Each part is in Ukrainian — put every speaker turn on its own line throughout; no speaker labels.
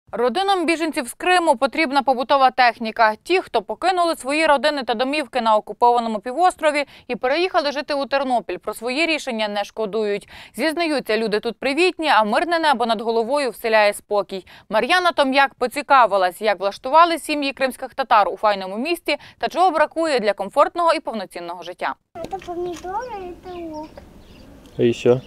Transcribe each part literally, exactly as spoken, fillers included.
Родинам біженців з Криму потрібна побутова техніка. Ті, хто покинули свої родини та домівки на окупованому півострові і переїхали жити у Тернопіль, про свої рішення не шкодують. Зізнаються, люди тут привітні, а мирне небо над головою вселяє спокій. Мар'яна Том'як поцікавилась, як влаштували сім'ї кримських татар у файному місті та чого бракує для комфортного і повноцінного життя.
Це помідори, це лук.
А ще?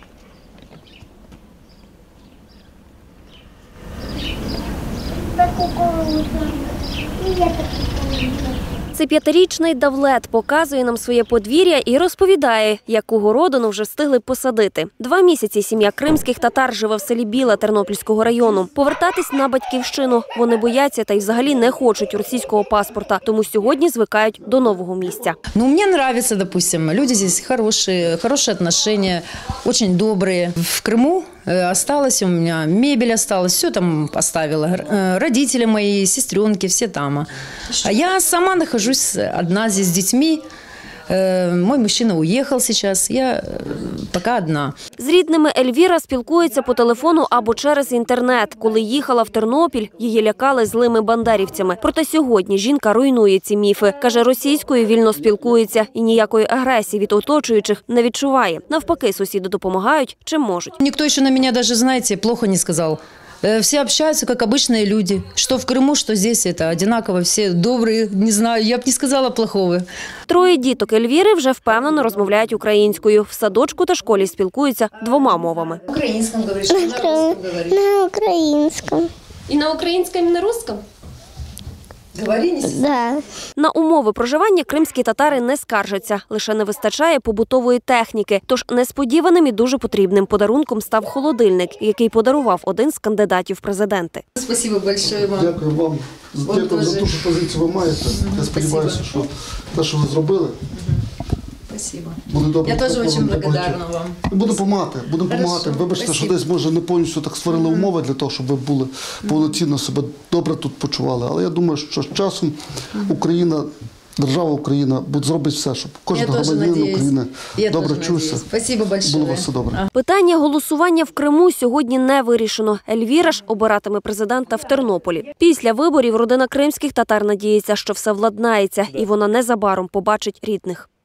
Це кукурудза. І є така кукурудза.
Це п'ятирічний Давлет показує нам своє подвір'я і розповідає, яку городину вже встигли посадити. Два місяці сім'я кримських татар живе в селі Біла Тернопільського району. Повертатись на батьківщину вони бояться та й взагалі не хочуть російського паспорта, тому сьогодні звикають до нового місця.
Ну, мне нравится, допустим, люди здесь хорошие, хорошие отношения, очень добрые. В Крыму осталось у меня, мебель осталась, все там оставила. Родители мои, сестренки, все там. А я сама нахожусь одна здесь с детьми. Мой мужчина уехал сейчас, я пока одна.
З рідними Ельвіра спілкується по телефону або через інтернет. Коли їхала в Тернопіль, її лякали злими бандерівцями. Проте сьогодні жінка руйнує ці міфи. Каже, російською вільно спілкується і ніякої агресії від оточуючих не відчуває. Навпаки, сусіди допомагають, чим можуть.
Никто еще на меня даже, знаете, плохо не сказал. Все общаются, как обычные люди. Что в Крыму, что здесь, это одинаково. Все добрые, не знаю, я б не сказала плохого.
Троє діток Ельвіри вже впевнено розмовляють українською. В садочку та школі спілкуються двома мовами.
На українському говориш, на русском говориш?
На українському.
І на українському, і на русском?
Говори, не
Да.
На умови проживання кримські татари не скаржаться. Лише не вистачає побутової техніки. Тож несподіваним і дуже потрібним подарунком став холодильник, який подарував один з кандидатів в президенти.
Спасибо большое вам.
Дякую вам за, дякую за ту, що позицію ви маєте. Я сподіваюся, що те, що ви зробили,
Спасибо.
буде добре.
Я теж дуже благодарна вам.
Будемо допомагати, будемо
Хорошо,
допомагати. Вибачте, що
спасибо.
десь, може, не повністю так створили умови для того, щоб ви були повноцінно себе добре тут почували. Але я думаю, що з часом Україна, держава Україна буде зробить все, щоб кожен громадянин України добре чувся.
Спасибо большое.
Було у вас все добре.
Питання голосування в Криму сьогодні не вирішено. Ельвіра ж обиратиме президента в Тернополі. Після виборів родина кримських татар надіється, що все владнається і вона незабаром побачить рідних.